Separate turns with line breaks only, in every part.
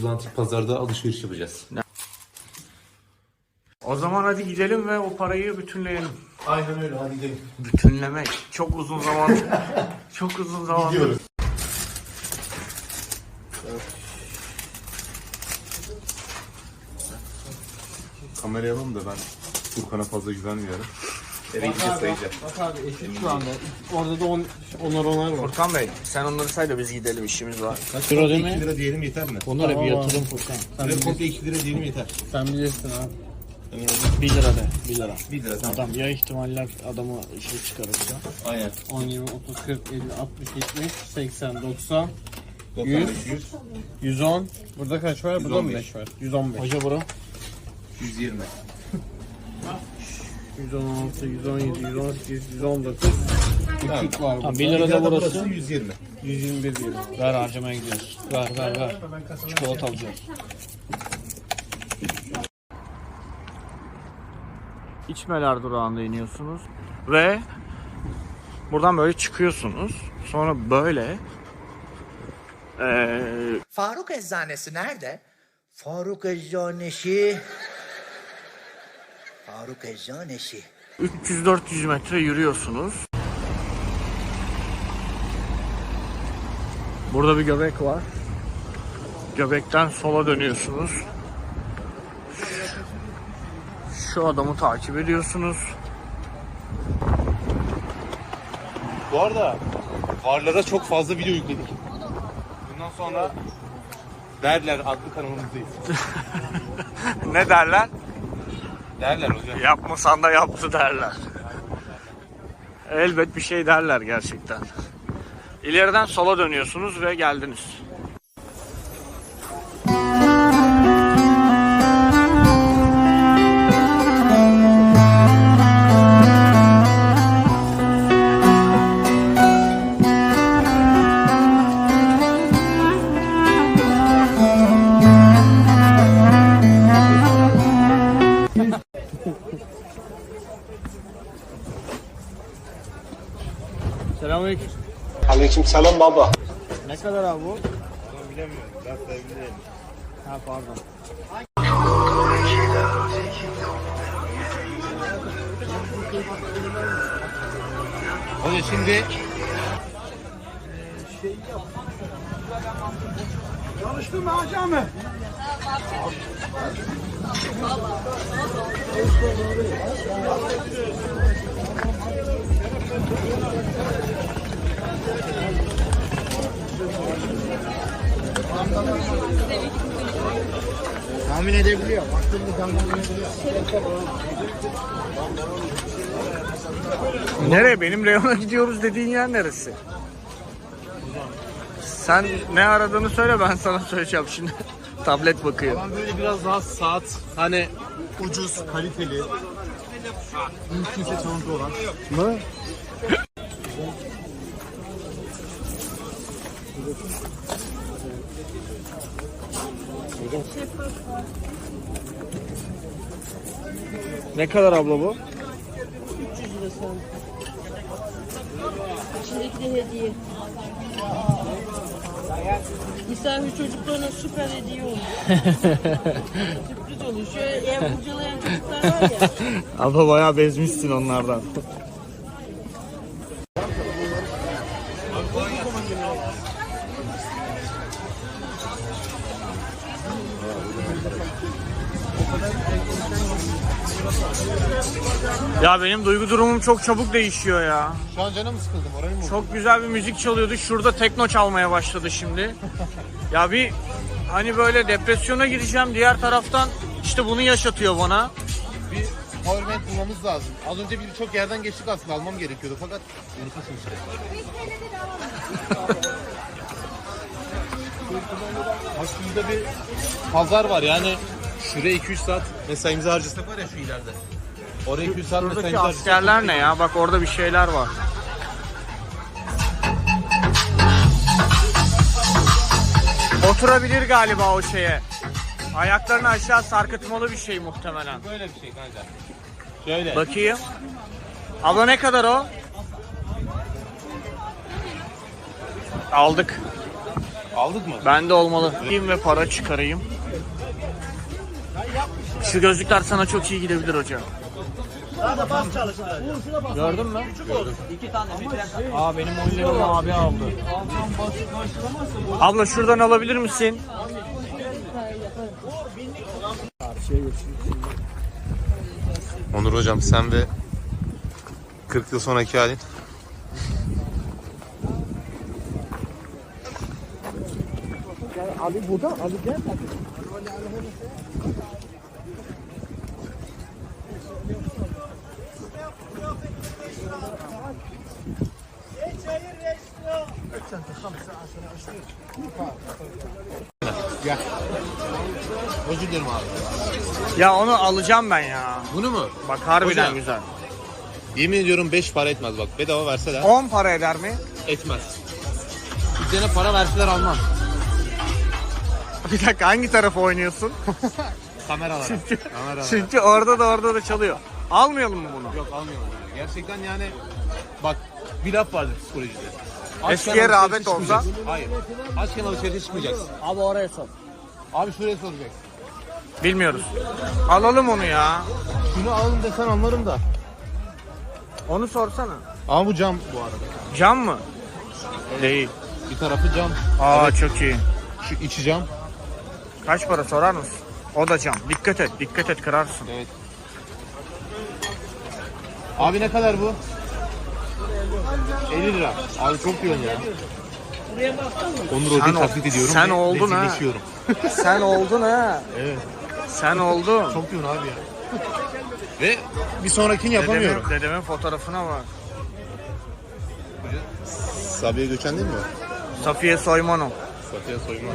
antik pazarda alışveriş yapacağız.
O zaman hadi gidelim ve o parayı bütünleyelim.
Aynen öyle, hadi gidelim.
Bütünlemek. Çok uzun zaman. Çok uzun zaman.
Gidiyoruz. Kamerayı alalım da ben Furkan'a fazla güvenmiyorum. Eve gideceğiz, sayacağım.
Bak abi eşit şu anda. Orada da onar var.
Furkan Bey sen onları say da biz gidelim, işimiz var.
Kaç lira değil mi? 2 lira diyelim yeter mi?
Onlara bir yatırım Furkan.
Lira komple 2 lira diyelim yeter.
Sen bilirsin abi. 1 lira de. 1 lira.
1 lira tamam.
Adam ya ihtimaller adamı şey çıkarırsa.
Aynen.
10, 20, 30, 40, 50, 60, 70, 80, 90,
95, 100,
110. Burada kaç var? Burada
115.
15 var. 115. Hoca bura.
120.
116, 117, 118, 119. Küçük var burada.
1 lira da burası.
120.
121 diyelim.
Ver, harcamaya gidiyoruz. Ver. Çikolata alacağız.
İçmeler durağında iniyorsunuz ve buradan böyle çıkıyorsunuz. Sonra böyle
Faruk Eczanesi nerede? Faruk Eczanesi. Faruk Eczanesi.
300-400 metre yürüyorsunuz. Burada bir göbek var. Göbekten sola dönüyorsunuz. Şu adamı takip ediyorsunuz.
Bu arada Varlara çok fazla video yükledik. Bundan sonra derler adlı kanalımızdayız.
Ne derler?
Derler hocam.
Yapmasan da yaptı derler. Elbet bir şey derler gerçekten. İleriden sola dönüyorsunuz ve geldiniz.
Selamünaleyküm.
Aleykümselam baba.
Ne kadar abi bu?
Bilemiyorum. Ben sayabilirim.
Ha pardon.
Hocam şimdi
Tahmin edebiliyor. Baktığımda tahmin edebiliyor.
Nereye? Benim reyona gidiyoruz dediğin yer neresi? Sen ne aradığını söyle, ben sana söyleyeceğim şimdi. Tablet bakıyor.
ben böyle biraz daha saat hani ucuz, kaliteli, mümkünse çalıntı olan.
Ne?
Ne kadar abla bu?
300 lira sen. İçindeki de hediye. Misafir çocuklarına süper hediye olur. Sürpriz olur. Şöyle ev kurcalayan çocuklar var ya.
Abla bayağı bezmişsin onlardan. Ya benim duygu durumum çok çabuk değişiyor ya.
Şu an canım sıkıldı, moralim bozuldu.
Çok güzel bir müzik çalıyordu. Şurada tekno çalmaya başladı şimdi. Ya bir hani böyle depresyona gireceğim. Diğer taraftan işte bunu yaşatıyor bana.
Bir powerbank bulmamız lazım. Az önce birçok yerden geçtik, aslında almam gerekiyordu fakat unutasın işte. Bak şurada bir pazar var yani. Şuraya 2-3 saat mesaimizi harcasak var ya şu ileride. Oraya 2-3 saat
Buradaki
mesaimizi harcasak.
askerler ne ya? Bak orada bir şeyler var. Oturabilir galiba o şeye. Ayaklarını aşağı sarkıtmalı bir şey muhtemelen.
Böyle bir şey kanka. Şöyle.
Bakayım. Abla ne kadar o? Aldık.
Aldık mı?
Bende olmalı. Gideyim ve para çıkarayım. Şu gözlükler sana çok iyi gidebilir hocam. Gördün mü? Gördüm. Aa benim oyunlarımı abi aldı. Abla şuradan alabilir misin?
Onur hocam sen ve 40 yıl sonraki halin.
Abi burada, abi gel.
Özür dilerim abi.
Ya onu alacağım ben ya.
Bunu mu?
Bak harbiden
Hocam.
güzel.
Yemin ediyorum 5 para etmez bak. Bedava verseler
10 para eder mi?
etmez. Üzerine para verseler almam.
Bir dakika hangi tarafa oynuyorsun?
Kameralara. Kameralara.
Çünkü orada da çalıyor. Almayalım mı bunu?
Yok almıyorum. Yani. Gerçekten yani bak bir laf vardır psikolojide.
Eskiye
Açken
rağbet
alışverişe
olsa.
çıkmayacaksın. Hayır. Açken alışverişe çıkmayacaksın.
Abi oraya sor.
Abi şuraya soracaksın.
Bilmiyoruz. Alalım onu ya.
Şunu alın desen anlarım da.
Onu sorsana.
Ama bu cam bu arada.
Cam mı? Değil.
Bir tarafı cam.
Aa
Evet.
çok iyi.
Şu içi cam.
Kaç para sorar mısın? O da cam. Dikkat et kırarsın.
Evet. Abi ne kadar bu? 50 lira. Abi çok diyorsun ya. Onur Hoca'yı taklit ediyorum.
sen
ve
oldun ha.
rezilleşiyorum.
Sen oldun ha.
Evet.
Sen oldun.
Çok diyorsun abi ya. Ve bir sonrakini yapamıyorum.
Dedemin fotoğrafına bak.
Sabiha Göçen değil mi?
Safiye Soyman'ım.
Safiye Soyman.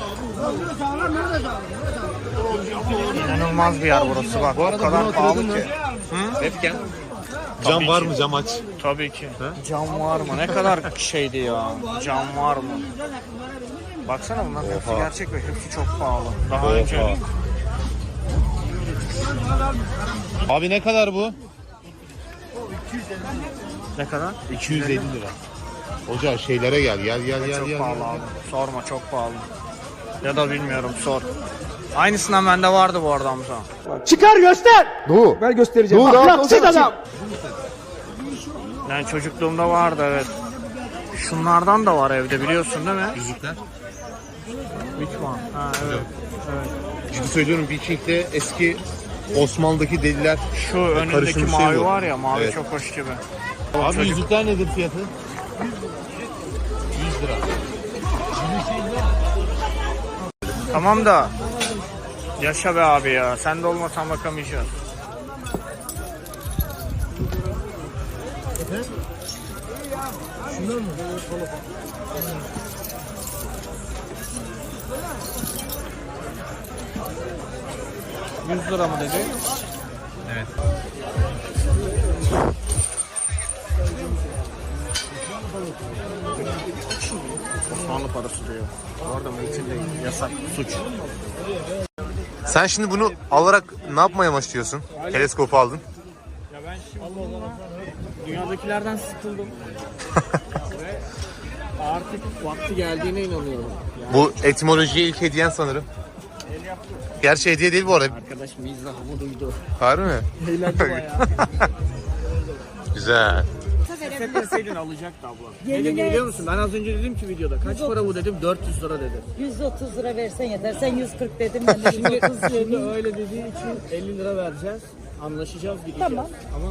İnanılmaz bir yer burası bak.
Bu arada
o kadar
bunu
pahalı
hatırladın
ki.
mı? Webcam. Cam var mı? Cam aç.
Tabii ki. Cam var mı? Ne kadar şeydi ya. Cam var mı? Baksana bunlar hepsi
Oha.
gerçek ve hepsi çok pahalı. Daha
Oha.
önce
Abi ne kadar bu?
ne kadar?
250 lira. Hoca şeylere gel. Gel.
Çok pahalı abi. Sorma çok pahalı. Ya da bilmiyorum sor. Aynısından bende vardı bu arada Hamza.
Çıkar göster. Doğu. Ben göstereceğim. Ahlaksız adam.
Yani çocukluğumda vardı evet. Şunlardan da var evde biliyorsun değil mi?
Yüzükler.
Which one? Ha evet. Evet.
Ciddi söylüyorum Viking'de eski Osmanlı'daki deliler.
Şu önündeki
Karışım bir şey
mavi
bu.
var ya mavi
Evet.
çok hoş gibi.
Abi
Çocuk-
yüzükler nedir fiyatı? 100 lira.
Tamam da yaşa be abi ya. Sen de olmasan bakamayacağız. $100 mı dedi?
Evet.
Osmanlı parası diyor. Orada mümkün değil. Yasak. Suç.
Sen şimdi bunu alarak ne yapmaya başlıyorsun? Teleskopu aldın.
Ya ben şimdi dünyadakilerden sıkıldım. Ve artık vakti geldiğine inanıyorum.
Bu etimolojiye ilk hediyen sanırım. Gerçi hediye değil bu arada.
Arkadaş mizahımı duydu.
Harbi mi?
Eğlendi bayağı.
Güzel.
Hissetmeseydin alacaktı abla. Ne dedi biliyor musun? Ben az önce dedim ki videoda kaç para bu dedim 400 lira dedi.
130 lira versen yeter. Sen 140 dedin ben de 130
Şimdi
dedim.
öyle dediği için 50 lira vereceğiz. Anlaşacağız gideceğiz.
Tamam.
Ama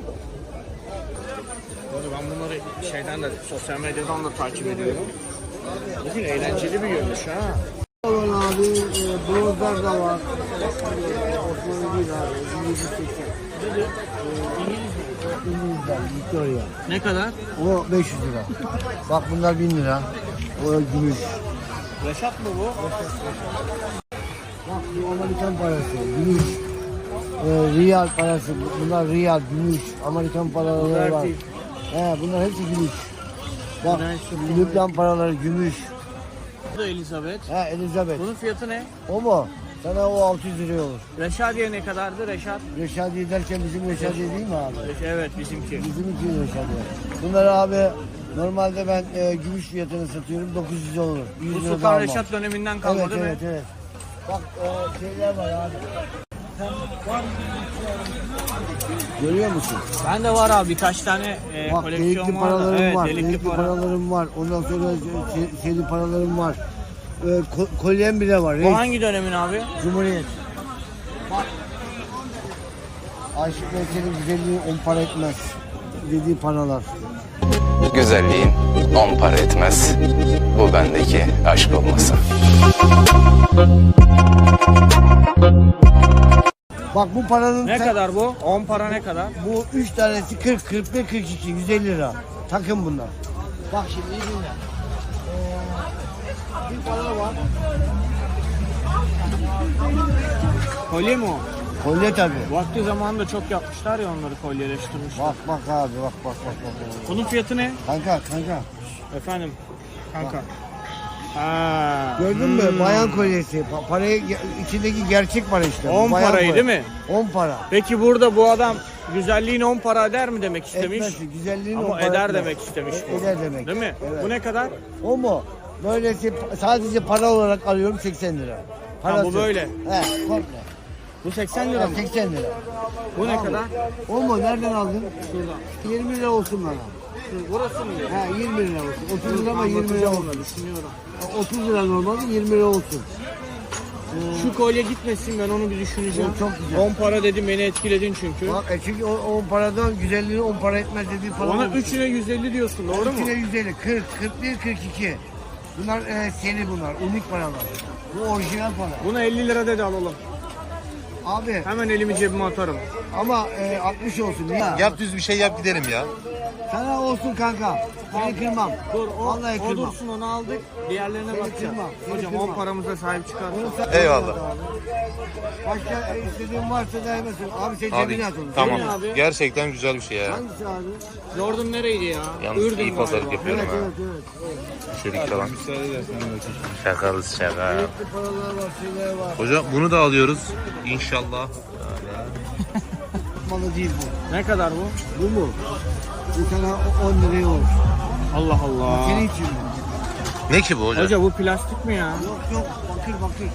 Böyle ben bunları şeyden de sosyal medyadan da takip ediyorum. Bugün eğlenceli bir görünüş ha.
Abi bronzlar da var. Osmanlı değil abi. 1780. İngilizler, Victoria.
Ne kadar?
O 500 lira. Bak bunlar 1000 lira. O gümüş.
Reşat mı bu?
Bak bu Amerikan parası, gümüş. Riyal parası, bunlar riyal, gümüş. Amerikan paraları var. Bunlar hepsi gümüş. Bak Lübnan paraları gümüş.
Bu da Elizabeth.
Elizabeth.
Bunun fiyatı ne?
O mu? Sana o 600 liraya olur.
Reşadiye ne kadardı Reşat?
Reşadiye derken bizim Reşadiye değil mi abi?
Evet bizimki.
Bizim iki Reşadiye. Bunlar abi Normalde ben gümüş fiyatını satıyorum 900 olur. 100
Bu
lira daha
Sultan
almam.
Reşat döneminden kalma
Evet
değil mi?
evet evet. Bak şeyler var abi. Görüyor musun?
Ben de var abi birkaç tane
Bak
koleksiyon
delikli
var. da.
paralarım
Evet,
var.
delikli
Delikli
para.
paralarım var. Ondan sonra şeyli paralarım var. Kolyem bile var.
Bu
Reis.
hangi dönemin abi?
Cumhuriyet. Bak. Aşık Veysel'in güzelliği 10 para etmez. Dediği paralar.
Güzelliğin 10 para etmez. Bu bendeki aşk olmasın.
Bak bu paranın
Ne kadar bu? 10 para ne kadar?
bu 3 tanesi 40, 41, 42, 150 lira. Takım bunlar. Bak şimdi iyi dinle. Bir para var.
Kolye mi o?
Kolye tabii.
Vakti zamanında çok yapmışlar ya onları kolyeleştirmişler.
Bak bak abi bak.
Bunun fiyatı ne?
Kanka.
Efendim? Kanka. Ha.
Gördün mü? Bayan kolyesi. Parayı içindeki gerçek para işte.
10
Bayan
parayı
kolye.
değil mi?
10 para.
Peki burada bu adam güzelliğin 10 para eder mi demek istemiş?
Etmez. Güzelliğin 10
Ama
para
eder
etmez.
demek istemiş bu.
Eder demek.
Değil mi?
Evet.
Bu ne kadar?
O mu? Böylesi sadece para olarak alıyorum 80 lira.
Ha, bu böyle.
He komple.
Bu 80 lira mı?
80 lira.
Bu ne kadar?
O mu? Nereden aldın?
Şuradan.
20 lira olsun bana.
Burası mı?
He 20 lira olsun. 30 lira ama 20 lira
Anlatacağım
olsun.
onu, düşünüyorum.
30 lira normalde 20 lira olsun.
Şu kolye gitmesin ben onu bir düşüneceğim.
O çok güzel.
10 para dedim beni etkiledin çünkü.
Bak çünkü o paradan güzelliğini 10 para etmez dediği para.
Ona
var.
3'üne 150 diyorsun doğru mu?
3'üne 150, 40, 41, 42. Bunlar seri bunlar. Unik paralar. Bu orijinal para.
Buna 50 lira dedi alalım.
Abi
Hemen elimi cebime atarım.
ama 60 olsun. Ya.
Yap düz bir şey yap gidelim ya.
Sana olsun kanka. Seni kırmam.
Dur
Vallahi
o
kırmam.
dursun onu aldık. Diğerlerine bakacağız.
kırmam, seni
Hocam
kırmam.
10 paramıza sahip çıkarsın.
Onu sen-
Eyvallah.
Başka istediğin varsa daymasın. Abi sen
Abi
cebine at onu.
tamam.
Değil mi abi?
Gerçekten güzel bir şey ya.
Hangisi abi?
Jordan nereydi ya?
Yalnız
Ürdün
iyi pazarlık
galiba.
yapıyorum
Evet
ha.
evet.
Şerik falan. Şakalız şaka.
Renkli paralar var, şeyler var.
Hocam bunu da alıyoruz. İnşallah.
Malı değil bu.
Ne kadar bu?
Bu mu? Bu sana 10 liraya olur.
Allah Allah.
Senin için mi?
Ne ki bu hocam?
Hoca bu plastik mi ya?
Yok bakır.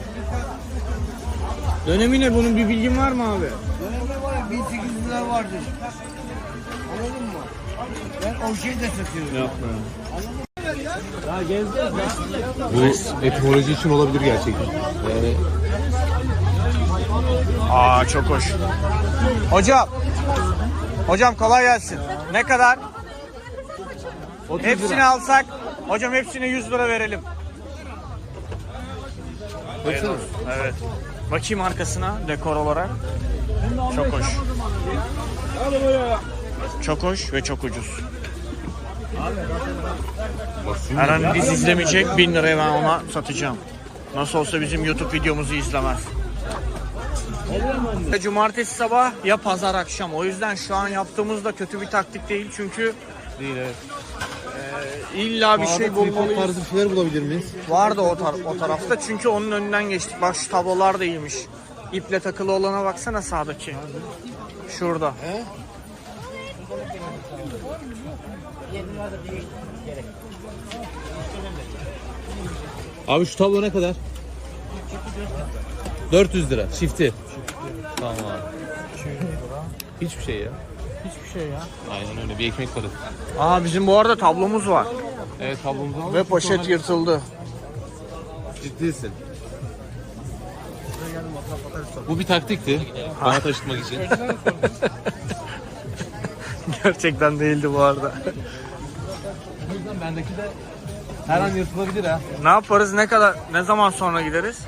Dönemi ne bunun bir bilgin var mı abi?
Dönemde var ya 1800 lira vardır. Anladın mı? Ben o şeyi de satıyorum.
Ya gezeceğiz ya.
Bu etimoloji için olabilir gerçekten. Yani
Aa çok hoş. Hocam kolay gelsin. Ne kadar? Hepsini alsak, hocam hepsine 100 lira verelim. Evet. Bakayım arkasına dekor olarak. Çok hoş. Çok hoş ve çok ucuz. Her an biz izlemeyecek 1000 liraya ben ona satacağım. Nasıl olsa bizim YouTube videomuzu izlemez. Cumartesi sabah ya pazar akşam. O yüzden şu an yaptığımız da kötü bir taktik değil çünkü
değil evet.
illa bir şey bulmalıyız.
tarzı bir şeyler bulabilir miyiz?
Vardı o tarafta çünkü onun önünden geçtik. Bak şu tablolar da iyiymiş. İple takılı olana baksana sağdaki. Şurada.
Abi şu tablo ne kadar? 400 lira çifti. Tamam abi. Hiçbir şey ya.
Hiçbir şey ya.
Aynen öyle bir ekmek parası.
Aa bizim bu arada tablomuz var.
Evet tablomuzu aldık.
Ve poşet yırtıldı.
Ciddisin. Bu bir taktikti. Bana taşıtmak için.
Gerçekten değildi bu arada.
O yüzden bendeki de her an yırtılabilir ha.
Ne yaparız? Ne zaman sonra gideriz?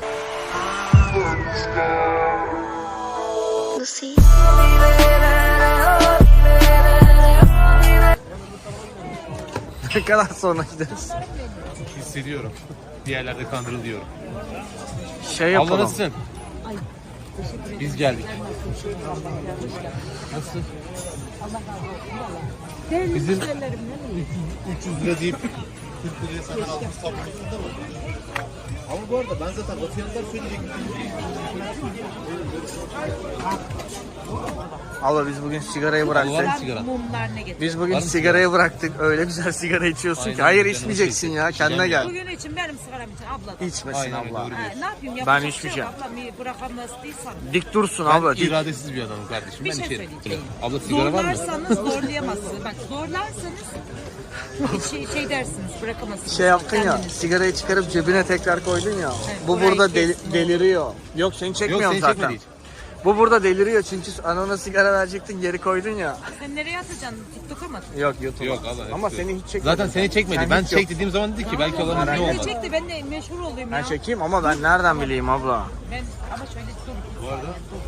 Ne kadar sonra gideriz?
Hissediyorum. Bir yerlerde kandırılıyorum.
Şey
Allah
yapalım.
nasılsın? Biz geldik. Nasıl? Bizim 300 lira deyip 40 liraya senden aldığımız tablomuzda mı? Ama bu arada ben zaten o fiyatlar söyleyecektim.
Abla biz bugün sigarayı bıraktık.
Var mı sigara?
Mumlar ne getir?
Biz bugün
Var mı
sigarayı bıraktık. Öyle güzel sigara içiyorsun
Aynen,
ki. Hayır
canım
içmeyeceksin
çekti.
ya. Kendine gel.
Bugün için benim sigaram için abla da.
İçmesin
Aynen,
abla.
doğru.
Ne yapayım?
Ben
Yapacak bir
içmeyeceğim.
yok. Abla bırakamaz değilsen.
Dik dursun
Ben
abla. Dik.
iradesiz bir adamım kardeşim.
Bir
Ben
şey
içerim.
söyleyeceğim.
Abla sigara var mı?
Zorlarsanız zorlayamazsınız. Bak zorlarsanız şey dersiniz, bırakamazsınız.
Şey yaptın ya,
Kendiniz.
sigarayı çıkarıp cebine tekrar koydun ya.
Evet,
Bu
orayı
burada
kestin.
deliriyor. Yok seni
Yok
çekmiyorum
seni
zaten.
çekmedi hiç.
Bu burada deliriyor çünkü anona sigara verecektin geri koydun ya.
Sen nereye atacaksın? TikTok'a mı?
Yok YouTube.
Yok abla.
Ama
hepsi-
seni hiç çekmedi.
Zaten seni çekmedi.
Sen
Ben
hiç yok.
çek dediğim zaman dedi ki belki olan
Ben
ne
de
olmadı.
çekti, ben de meşhur olayım
Ben
ya.
çekeyim ama ben nereden bileyim abla?
Ben ama şöyle dur.
Bu arada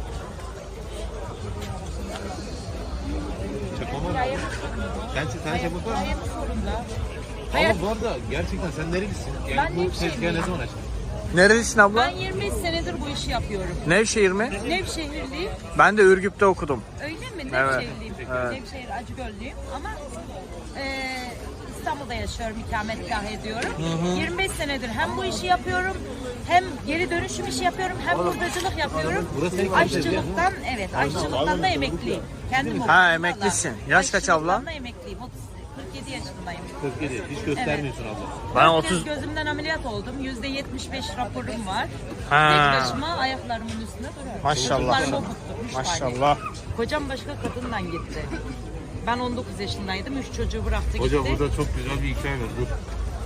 çakmama. Sen çakmak var mı?
Hayat sorunda.
Ama bu arada gerçekten sen nerelisin? Yani
Ben
bu
Nevşehirliyim.
tezgahı ne zaman açtın?
Nerelisin abla?
Ben 25 senedir bu işi yapıyorum.
Nevşehir mi?
Nevşehirliyim.
Ben de Ürgüp'te okudum.
Öyle mi?
Evet,
Nevşehirliyim.
evet.
Nevşehir Acıgöllüyüm ama İstanbul'da yaşıyorum, ikametgah ediyorum. 25 senedir hem bu işi yapıyorum, hem geri dönüşüm işi yapıyorum, hem hurdacılık yapıyorum.
Burası senin
Aşçılıktan, evet, aşçılıktan da emekliyim. Kendim
Ha, emeklisin. Yaş kaç abla?
Aşçılıktan da emekliyim. 47 yaşındayım.
47. Hiç göstermiyorsun abla.
Ben
4 kez
30...
gözümden ameliyat oldum. %75 raporum var.
Ha.
Tek başıma ayaklarımın üstünde duruyorum.
Maşallah.
Çocuklarımı okuttum. 3 tane.
Maşallah.
Kocam başka kadından gitti. Ben 19 yaşındaydım. 3 çocuğu bıraktı gitti.
Hoca burada çok güzel bir hikaye var. Dur.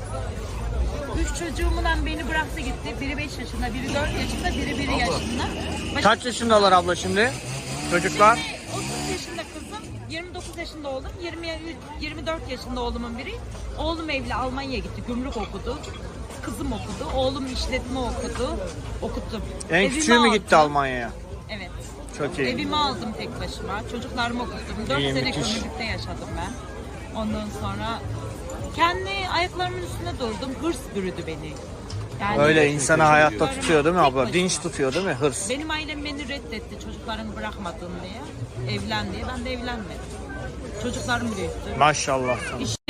3 çocuğumla beni bıraktı gitti. Biri 5 yaşında, biri 4 yaşında, biri 1 yaşında.
Kaç yaşındalar abla şimdi? Çocuklar?
30 yaşında kızım, 29 yaşında oğlum, 24 yaşında oğlumun biri. Oğlum evli Almanya'ya gitti, gümrük okudu. Kızım okudu, oğlum işletme okudu. Okuttum.
En
Evimi
küçüğü mü gitti
aldım.
Almanya'ya?
Evet.
Çok iyi.
Evimi aldım tek başıma. Çocuklarımı okuttum. 4
İyi,
sene
müthiş.
kömürlükte yaşadım ben. Ondan sonra kendi ayaklarımın üstünde durdum. Hırs bürüdü beni. Yani
Öyle insanı hayatta
çocuklarımı
tutuyor değil mi
tek
abla?
başıma.
Dinç tutuyor değil mi? Hırs.
Benim ailem beni reddetti çocuklarını bırakmadın diye. Evlen diye. Ben de evlenmedim. Çocuklarım büyüttü.
Maşallah.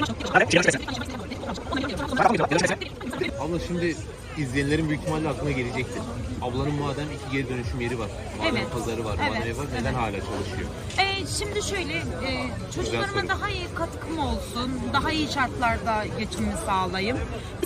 Abla şimdi izleyenlerin büyük ihtimalle aklına gelecektir. Ablanın madem 2 geri dönüşüm yeri var. Madem
Evet.
pazarı var,
Evet.
madem evi var. Neden hala çalışıyor?
Şimdi şöyle, çocuklarıma
soru.
daha iyi katkım olsun, daha iyi şartlarda geçimimi sağlayayım.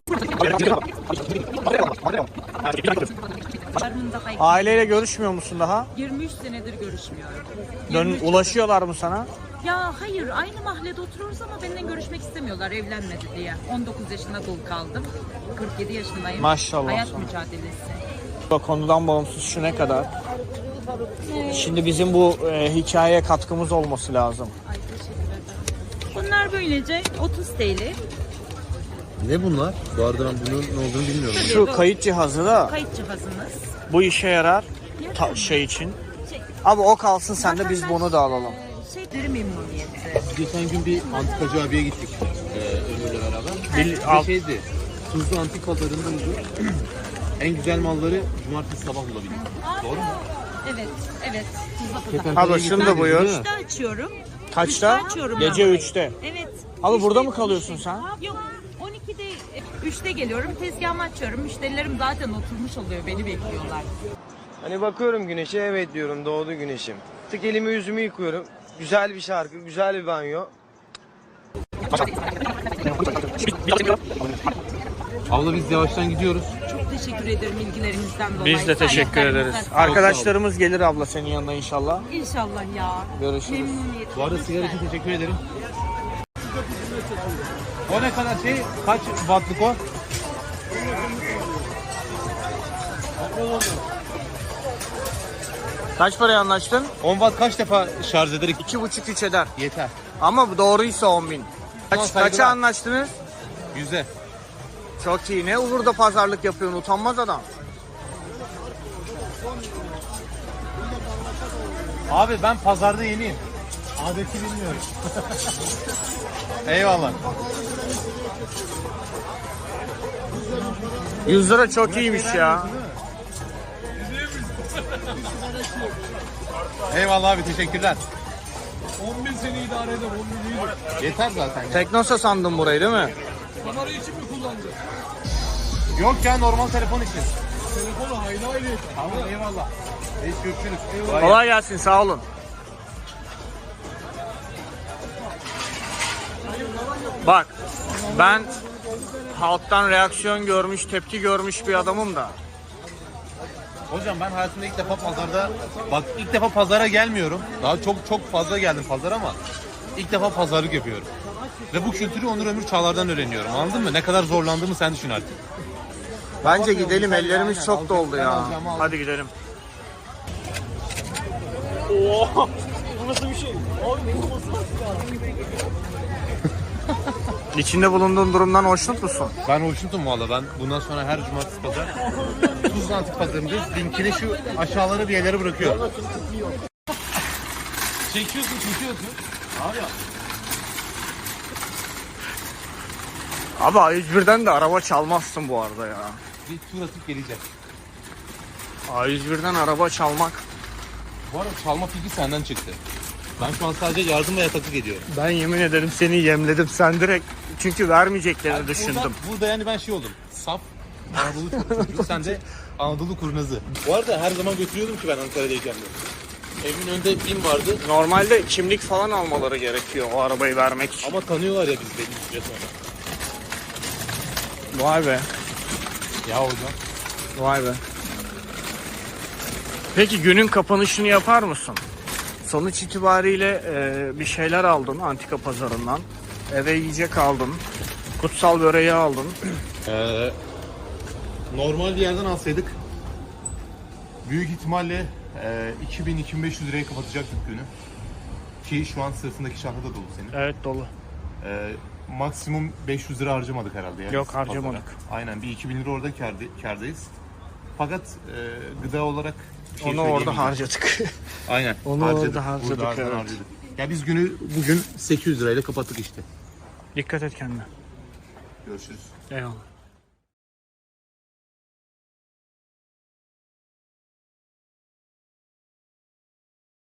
Çocuklarımın daha iyi.
Aileyle görüşmüyor musun daha?
23 senedir görüşmüyorum.
Ulaşıyorlar mı sana?
Ya hayır, aynı mahallede oturuyoruz ama benden görüşmek istemiyorlar evlenmedi diye. 19 yaşında dul kaldım. 47 yaşındayım.
Maşallah
Hayat
sana.
mücadelesi.
Konudan bağımsız şu ne kadar? Şimdi bizim bu hikayeye katkımız olması lazım.
Ay teşekkür ederim. Bunlar böylece 30 TL.
Ne bunlar? Bu arada ben bunun ne olduğunu bilmiyorum.
Şu kayıt cihazı da
Kayıt cihazınız.
bu işe yarar şey için. Abi o kalsın sen de biz bunu da alalım.
Şeyleri memnuniyeti.
Geçen gün bir antikacı abiye gittik. Ömür'le beraber.
Al.
Bir şeydi. Tuzlu antik pazarındaydı. En güzel malları cumartesi sabah bulabildik. Doğru mu?
Evet, evet. Tuzla pazar.
Abla şunu da buyur.
3'te açıyorum.
Kaçta?
3'te açıyorum
Gece
ben burayı.
3'te.
Evet.
Abi
3'te
burada mı kalıyorsun sen?
Yok. 12'de 3'te geliyorum. Tezgahımı açıyorum. Müşterilerim zaten oturmuş oluyor. Beni bekliyorlar.
Hani bakıyorum güneşe, evet diyorum, doğdu güneşim. Tık elimi yüzümü yıkıyorum. Güzel bir şarkı, güzel bir banyo.
Abla biz yavaştan gidiyoruz.
Çok teşekkür ederim ilgilerinizden dolayı.
Biz de teşekkür ederiz.
Saydıklarınızdan.
Arkadaşlarımız gelir abla senin yanına inşallah.
İnşallah ya.
Görüşürüz.
Memnuniyetle.
Bu arada sigara için teşekkür ederim. O ne kadar şey? Kaç wattlık o?
Kaç paraya anlaştın?
10 watt kaç defa şarj eder?
2,5-3 eder.
Yeter.
Ama bu doğruysa 10.000.
Tamam,
Kaça
saygılar.
anlaştınız?
100'e.
Çok iyi. Ne burada pazarlık yapıyorsun? Utanmaz adam.
Abi ben pazarda yeniyim. Adeti bilmiyorum. Eyvallah.
100 lira çok iyiymiş ya.
Eyvallah abi teşekkürler. 10.000 seni idare eder 10.000 yeter zaten.
Teknosa sandım burayı değil mi?
Kamera için mi kullanacak? Yok ya normal telefon için. Telefonu hayli hayli. Tamam eyvallah. Reis görüşürüz.
Kolay gelsin sağ olun. Bak ben halktan reaksiyon görmüş, tepki görmüş bir adamım da.
Hocam ben hayatımda ilk defa pazarda, bak ilk defa pazara gelmiyorum. Daha çok fazla geldim pazara ama ilk defa pazarlık yapıyorum. Ve bu kültürü Onur Ömür Çağlar'dan öğreniyorum. Anladın mı? Ne kadar zorlandığımı sen düşün artık.
Bence gidelim, ellerimiz çok doldu ya. Hadi gidelim. Oha! Bu nasıl bir şey? İçinde bulunduğun durumdan hoşnut musun?
Ben hoşnutum valla. Ben bundan sonra her cumartesi pazar Tuzla Antik Pazarı'ndayız. Linkini şu aşağılara bir yerlere bırakıyorum. Çekiyorsun. Abi ya.
Abi A101'den de araba çalmazsın bu arada ya.
Bir tur atıp geleceğim.
A101'den araba çalmak.
Bu arada çalma fikri senden çıktı. Ben şu an sadece yardım ve yataklık ediyorum.
Ben yemin ederim seni yemledim. Sen direkt çünkü vermeyeceklerini düşündüm.
Burada yani ben şey oldum. Saf Anadolu çocuğu, sen de Anadolu kurnazı. Bu arada her zaman götürüyordum ki ben Ankara'dayken de. Evimin önünde BİM vardı
Normalde kimlik falan almaları gerekiyor o arabayı vermek için.
ama tanıyorlar ya biz belli bir süre sonra.
Vay be.
Ya hocam.
Vay be. Peki günün kapanışını yapar mısın? Sonuç itibariyle bir şeyler aldın antika pazarından. Eve yiyecek aldın. Kutsal böreği aldın.
Normal bir yerden alsaydık büyük ihtimalle 2000-2500 liraya kapatacaktık günü. Ki şu an sırtındaki şahı da dolu senin.
Evet dolu.
Maksimum 500 lira harcamadık herhalde. Yani
Yok, harcamadık.
pazara. Aynen bir 2000 lira orada kârdayız. Fakat gıda olarak bir şey
Onu orada
söyleyemeyeceğim.
harcadık.
Aynen.
Onu orada harcadık,
Burada
evet.
harcadık. Ya biz günü bugün 800 lirayla kapattık işte.
Dikkat et kendine.
Görüşürüz.
Eyvallah.